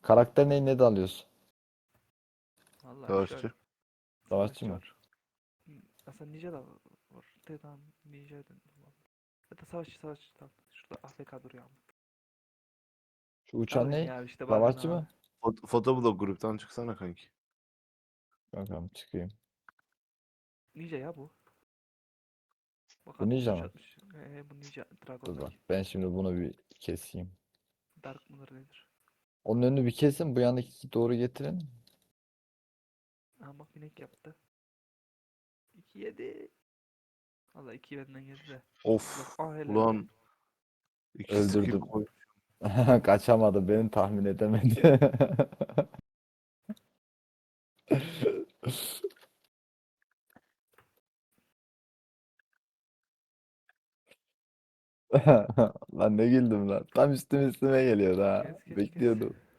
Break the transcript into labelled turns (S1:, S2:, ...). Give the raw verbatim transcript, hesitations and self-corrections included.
S1: Karakter ne, ne de alıyorsun?
S2: Vallahi şöyle.
S3: Savaşçı.
S1: Savaşçı
S2: Savaşçı
S1: mı?
S2: var. Hmm, Aslında ninja da var. De tamam ninja da var. Ya da savaşçı savaşçı tamam. Şurada A F K duruyor ama.
S1: Şu uçan
S2: Alayım
S1: ne?
S2: ya işte bakın
S1: Savaşçı
S2: abi.
S1: mı?
S3: Fot Fotoblog gruptan çıksana kanki.
S1: Bakalım çıkayım.
S2: Ninja ya bu. Bak
S1: Bu
S2: adam
S1: ninja
S2: otuz üç
S1: mı?
S2: atmış. Ee, bu ninja
S1: Dur bak.
S2: Dragon'daki.
S1: Ben şimdi bunu bir keseyim.
S2: Dark mıdır nedir?
S1: Onun önünü bir kesin. Bu yandaki doğru getirin.
S2: Aha bak binek yaptı. iki yedi. Valla iki benden yedi de. Bak
S3: Of.
S2: ah helal lan.
S3: Ulan iki skill
S1: Öldürdüm.
S3: koy.
S1: Kaçamadı. Beni tahmin edemedi. Lan ne güldüm lan. Tam üstüme üstüme geliyordu ha.
S2: Kes kes kes.
S1: Bekliyordum.